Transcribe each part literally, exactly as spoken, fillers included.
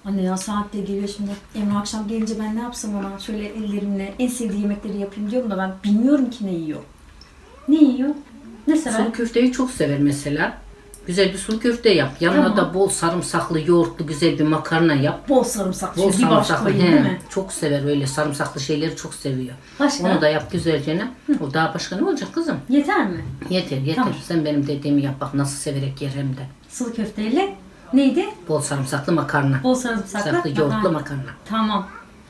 Anne ya saat de geliyor şimdi. Emre akşam gelince ben ne yapsam ona? Şöyle ellerimle en sevdiği yemekleri yapayım diyorum da ben bilmiyorum ki ne yiyor. Ne yiyor? Ne sever? Sulu köfteyi çok sever mesela. Güzel bir sulu köfte yap. Yanına Tamam. da bol sarımsaklı, yoğurtlu güzel bir makarna yap. Bol sarımsaklı. Bol Bir baş sarımsaklı. koyayım He, değil mi? çok sever öyle sarımsaklı şeyleri çok seviyor. Başka? Onu da yap güzelce. Ne? O daha başka ne olacak kızım? Yeter mi? Yeter yeter. Tamam. Sen benim dediğimi yap bak nasıl severek yer hem de. Sulu köfteyle neydi? Bol sarımsaklı makarna. Bol sarımsaklı. Sarımsaklı yoğurtlu Aha. makarna. Tamam.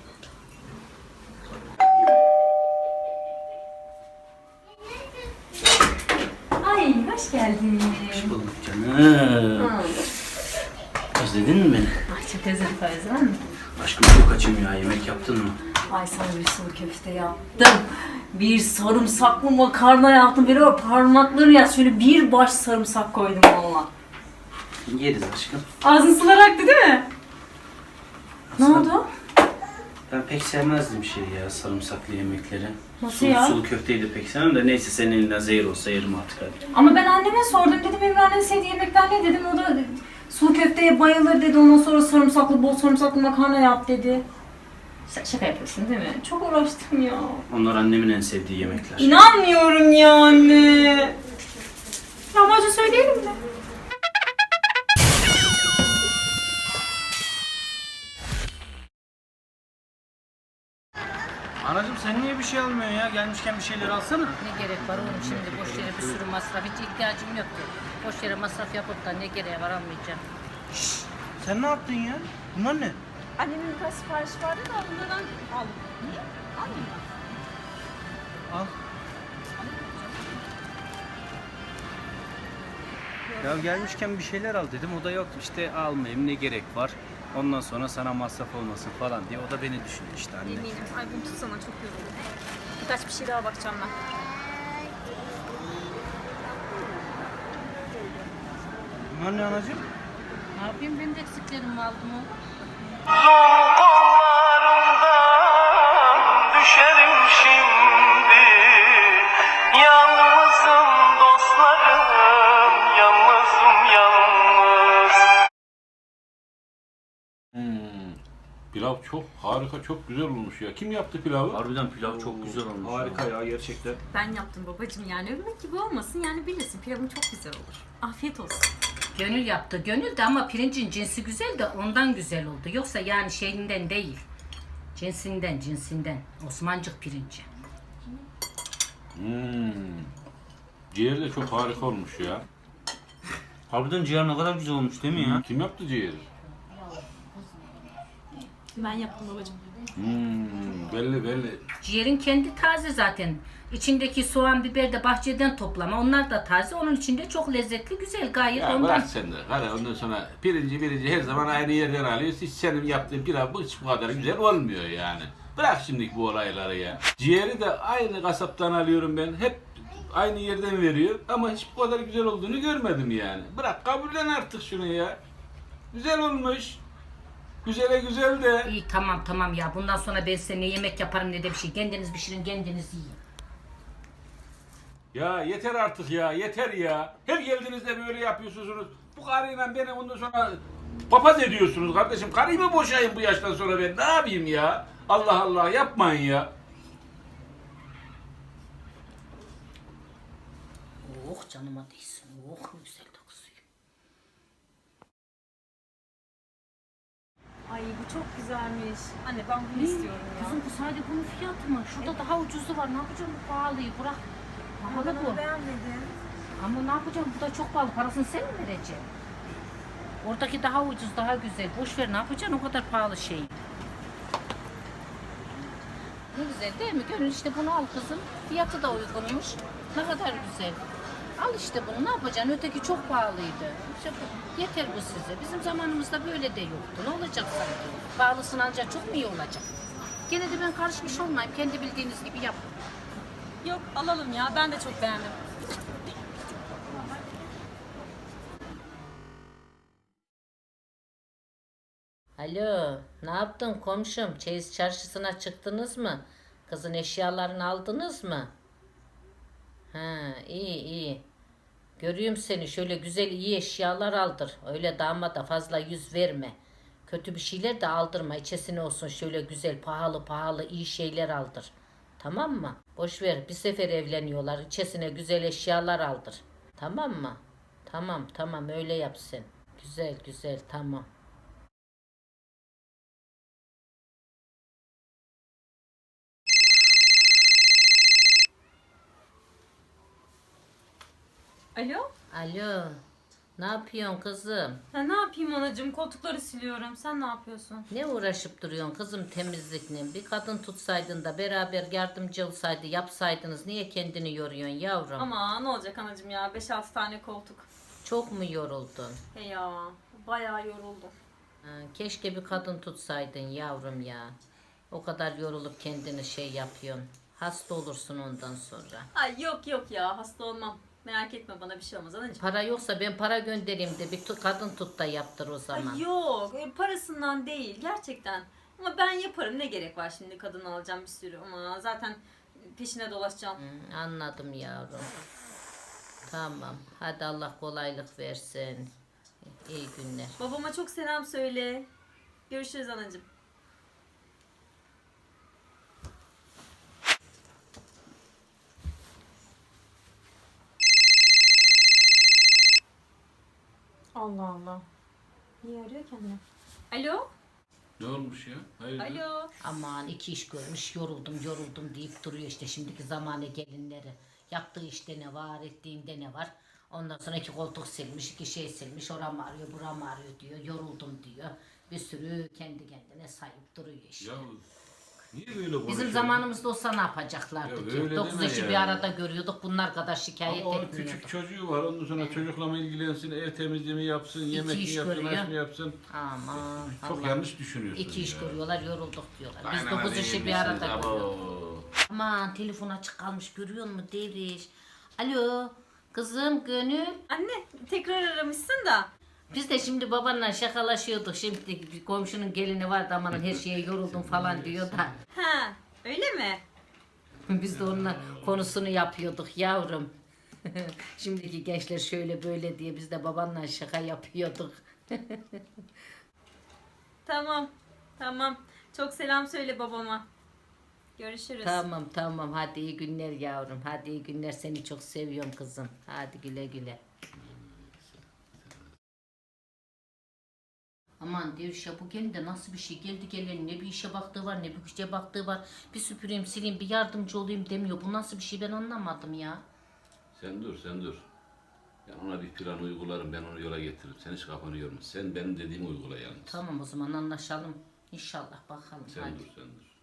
Ay hoş geldin. Hoş bulduk canım. Özledin mi beni? Ay çok özledim Feyza mı? Aşkım çok açım ya. Yemek yaptın mı? Ay sana bir sulu köfte yaptım. Bir sarımsaklı makarna yaptım. Böyle o parmakları ya şöyle bir baş sarımsak koydum valla. Yeriz aşkım. Ağzın sular aktı değil mi? Ne Sen- oldu? Ben pek sevmezdim şey ya sarımsaklı yemekleri. Nasıl sulu, ya? Sulu köfteyi de pek sevmem de neyse senin elinden zehir olsa yerim artık hadi. Ama ben anneme sordum dedim Emre'nin sevdiği yemekler ne dedim. O da sulu köfteye bayılır dedi. Ondan sonra sarımsaklı bol sarımsaklı makarna yap dedi. Sen şaka yapıyorsun değil mi? Çok uğraştım ya. Onlar annemin en sevdiği yemekler. İnanmıyorum ya anne. Lahmacun söyleyelim mi? Anacığım sen niye bir şey almıyorsun ya? Gelmişken bir şeyler alsana. Ne gerek var oğlum şimdi boş yere bir sürü masraf hiç ihtiyacım yok ki. Boş yere masraf yapıp da ne gereği var almayacağım. Sen ne yaptın ya? Bunlar ne? Annemin birkaç sipariş vardı da onlardan aldım. Niye? Almayayım mı? Al. Ya gelmişken bir şeyler al dedim. O da yok işte almayayım ne gerek var. Ondan sonra sana masraf olmasın falan diye. O da beni düşündü işte anne. Eminim. Ay bunu tutsana çok yoruldum. Birkaç bir şey daha bakacağım ben. Bunlar ne anacığım? Ne yapayım benim de eksiklerimi aldım o. Düşerim şimdi. Yalnızım dostlarım, yalnızım yalnız. Hmm. Pilav çok harika, çok güzel olmuş ya. Kim yaptı pilavı? Harbiden pilav çok güzel olmuş. Harika ya gerçekten. Ben yaptım babacığım yani övmek gibi olmasın yani bilirsin pilavın çok güzel olur. Afiyet olsun. Gönül yaptı. Gönül de ama pirincin cinsi güzel de ondan güzel oldu. Yoksa yani şeyinden değil. Cinsinden, cinsinden. Osmancık pirinci. Hmm. Ciğer de çok harika olmuş ya. Harbiden ciğer ne kadar güzel olmuş değil mi ya? Kim yaptı ciğeri? Ben yaptım babacığım. Hmm. Belli belli. Ciğerin kendi taze zaten. İçindeki soğan, biber de bahçeden toplama. Onlar da taze. Onun içinde çok lezzetli, güzel gayet Ya ondan. bırak sen de. Hadi ondan sonra pirinci pirinci her zaman aynı yerden alıyoruz. Hiç senin yaptığın pilav bu hiç bu kadar güzel olmuyor yani. Bırak şimdiki bu olayları ya. Ciğeri de aynı kasaptan alıyorum ben. Hep aynı yerden veriyor. Ama hiç bu kadar güzel olduğunu görmedim yani. Bırak kabullen artık şunu ya. Güzel olmuş. Güzele güzel de. İyi tamam tamam ya. Bundan sonra ben size ne yemek yaparım ne de bir şey. Kendiniz pişirin, kendiniz yiyin. Ya yeter artık ya, yeter ya. Her geldiğinizde böyle yapıyorsunuz. Bu karıyla beni ondan sonra papaz ediyorsunuz kardeşim. Karıyı mı boşayayım bu yaştan sonra ben? Ne yapayım ya? Allah Allah yapmayın ya. Oh canıma değsin. Oh ne güzel de kızıyor. Ay bu çok güzelmiş. Anne ben bunu istiyorum ya. Kızım bu sadece bunun fiyatı mı? Şurada daha ucuzu var. Ne yapacağım bu pahalıyı? Bırak. Ama Pahalı ben bu. onu beğenmedim. Ama ne yapacağım? Bu da çok pahalı. Parasını sen mi vereceksin? Oradaki daha ucuz, daha güzel. Boş ver ne yapacaksın o kadar pahalı şeyi? Ne güzel değil mi? Gönül işte bunu al kızım. Fiyatı da uygunmuş. Ne kadar güzel. Al işte bunu ne yapacaksın? Öteki çok pahalıydı. İşte bu- yeter bu size. Bizim zamanımızda böyle de yoktu. Ne olacak sanki? Pahalısını alacak çok mu iyi olacak? Gene de ben karışmış olmayayım. Kendi bildiğiniz gibi yapın. Yok alalım ya ben de çok beğendim. Alo, ne yaptın komşum? Çeyiz çarşısına çıktınız mı? Kızın eşyalarını aldınız mı? Ha, iyi iyi. Görüyorum seni şöyle güzel iyi eşyalar aldır. Öyle damada fazla yüz verme. Kötü bir şeyler de aldırma. İçesine olsun şöyle güzel, pahalı pahalı iyi şeyler aldır. Tamam mı? Boş ver. Bir sefer evleniyorlar. İçesine güzel eşyalar aldır. Tamam mı? Tamam tamam öyle yap sen. Güzel güzel tamam. Alo? Alo. Ne yapıyorsun kızım? Ha, ne yapayım anacığım? Koltukları siliyorum. Sen ne yapıyorsun? Ne uğraşıp duruyorsun kızım temizlikle? Bir kadın tutsaydın da beraber yardımcı olsaydı yapsaydınız. Niye kendini yoruyorsun yavrum? Ama ne olacak anacığım ya? beş altı tane koltuk. Çok mu yoruldun? He ya. Bayağı yoruldum. Ha, keşke bir kadın tutsaydın yavrum ya. O kadar yorulup kendini şey yapıyorsun. Hasta olursun ondan sonra. Ay yok yok ya. Hasta olmam. Merak etme, bana bir şey olmaz anacığım. Para yoksa ben para göndereyim de bir tu- kadın tut da yaptır o zaman. Ay yok. e, Parasından değil. Gerçekten. Ama ben yaparım. Ne gerek var şimdi kadın alacağım bir sürü. Ama zaten peşine dolaşacağım. Hı, anladım yavrum. Tamam. Hadi Allah kolaylık versin. İyi günler. Babama çok selam söyle. Görüşürüz anacığım. Allah Allah. Niye arıyor kendini? Alo? Ne olmuş ya? Hayır. Alo? Aman iki iş görmüş yoruldum yoruldum deyip duruyor işte şimdiki zamane gelinleri. Yaptığı işte ne var, ettiğinde ne var. Ondan sonra iki koltuk silmiş, iki şey silmiş. Oram ağrıyor, buram ağrıyor diyor. Yoruldum diyor. Bir sürü kendi kendine sayıp duruyor işte. Ya niye böyle konuşuyorsun? Bizim zamanımızda olsa ne yapacaklardı Ya ki? öyle Dokuz deme eşi ya. bir arada görüyorduk. Bunlar kadar şikayet Ama onun etmiyorduk. küçük çocuğu var. Ondan sonra çocukla mı ilgilensin, ev temizliği yapsın, yemek mi iş yapsın, görüyor. aş mı yapsın? Aman Çok Allah. yanlış düşünüyorsun İki iş ya. görüyorlar, yorulduk diyorlar. Biz Aynen dokuz öyle işi bir yemişsiniz, arada abo. görüyorduk. Aman telefon açık kalmış görüyor musun Devriş? Alo kızım Gönül. Anne tekrar aramışsın da. Biz de şimdi babanla şakalaşıyorduk. Şimdi bir komşunun gelini vardı aman her şeye yoruldum falan diyor da. Ha, öyle mi? Biz de onunla konusunu yapıyorduk yavrum. Şimdiki gençler şöyle böyle diye biz de babanla şaka yapıyorduk. Tamam. Tamam. Çok selam söyle babama. Görüşürüz. Tamam tamam hadi iyi günler yavrum. Hadi iyi günler seni çok seviyorum kızım. Hadi güle güle. Aman Devriş ya bu gelin de nasıl bir şey geldi geleli ne bir işe baktığı var ne bir işe baktığı var. Bir süpüreyim sileyim bir yardımcı olayım demiyor. Bu nasıl bir şey ben anlamadım ya. Sen dur, sen dur. Ben ona bir plan uygularım, ben onu yola getiririm. Sen hiç kafanı yorma. Sen benim dediğimi uygula yalnız. Tamam o zaman anlaşalım. İnşallah bakalım. Sen hadi. dur, sen dur.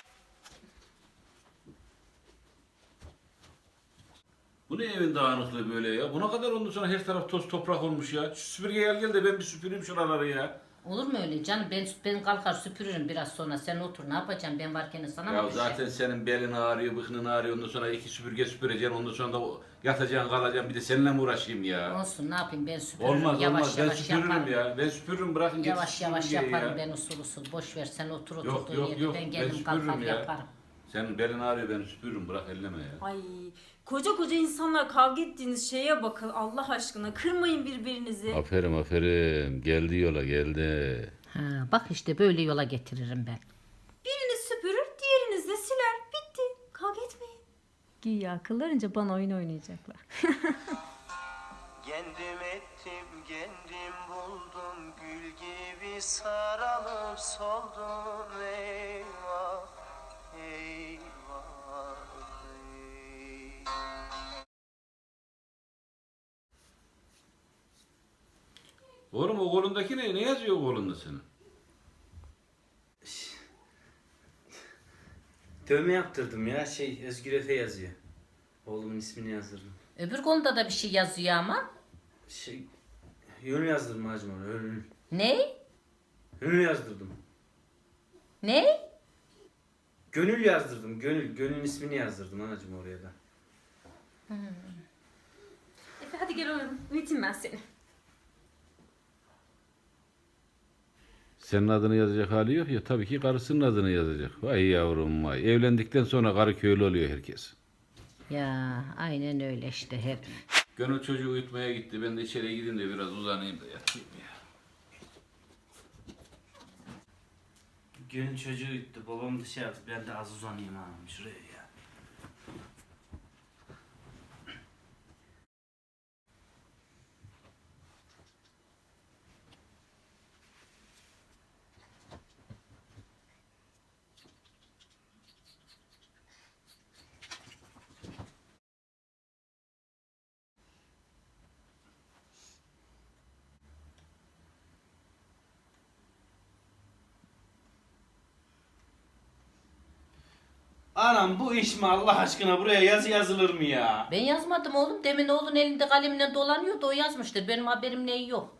Bu ne evin dağınıklığı böyle ya? Buna kadar ondan sonra her taraf toz toprak olmuş ya. Şu süpürge gel gel de ben bir süpüreyim şuraları ya. Olur mu öyle canım? Ben ben kalkar süpürürüm biraz sonra. Sen otur ne yapacaksın? Ben varken sana mı Ya düşer? zaten senin belin ağrıyor, bıknın ağrıyor. Ondan sonra iki süpürge süpüreceksin. Ondan sonra da yatacaksın, kalacaksın. Bir de seninle mi uğraşayım ya? Olsun ne yapayım ben süpürürüm. Olmaz yavaş olmaz. Ben yavaş süpürürüm yaparım. ya. Ben süpürürüm bırakın getir Yavaş yavaş süpürgeyi yaparım ya. ben usul usul. Boş ver sen otur Yok oturduğun yok yerde yok. ben Ben geldim kalkar süpürürüm ya. yaparım. Senin belin ağrıyor ben süpürürüm bırak elleme ya. Ay, koca koca insanlar kavga ettiğiniz şeye bakın Allah aşkına. Kırmayın birbirinizi. Aferin aferin. Geldi yola geldi. Ha, bak işte böyle yola getiririm ben. Biriniz süpürür, diğeriniz de siler. Bitti. Kavga etmeyin. Güya akıllarınca bana oyun oynayacaklar. Kendim ettim, kendim buldum. Gül gibi sararıp soldum. Eyvah, eyvah, ey. Oğlum o kolundaki ne? Ne yazıyor o kolunda senin? Dövme yaptırdım ya şey Özgür Efe yazıyor. Oğlumun ismini yazdırdım. Öbür konuda da bir şey yazıyor ama. Şey Yönü yazdırdım hacım ona. Önül. Ne? Önül yazdırdım. Ne? Gönül yazdırdım. Gönül. Gönül'ün ismini yazdırdım anacığım oraya da. Efe hadi gel oynayalım. Uyutayım ben seni. Senin adını yazacak hali yok ya tabii ki karısının adını yazacak. Vay yavrum vay. Evlendikten sonra karı köylü oluyor herkes. Ya aynen öyle işte hep. Gönül çocuğu uyutmaya gitti. Ben de içeriye gideyim de biraz uzanayım da yatayım ya. Gelin çocuğu gitti. Babam dışarıda. Ben de az uzanayım hanım şuraya ya. Anam bu iş mi Allah aşkına, buraya yazı yazılır mı ya? Ben yazmadım oğlum. Demin oğlun elinde kalemle dolanıyordu, o yazmıştır. Benim haberim neyi yok.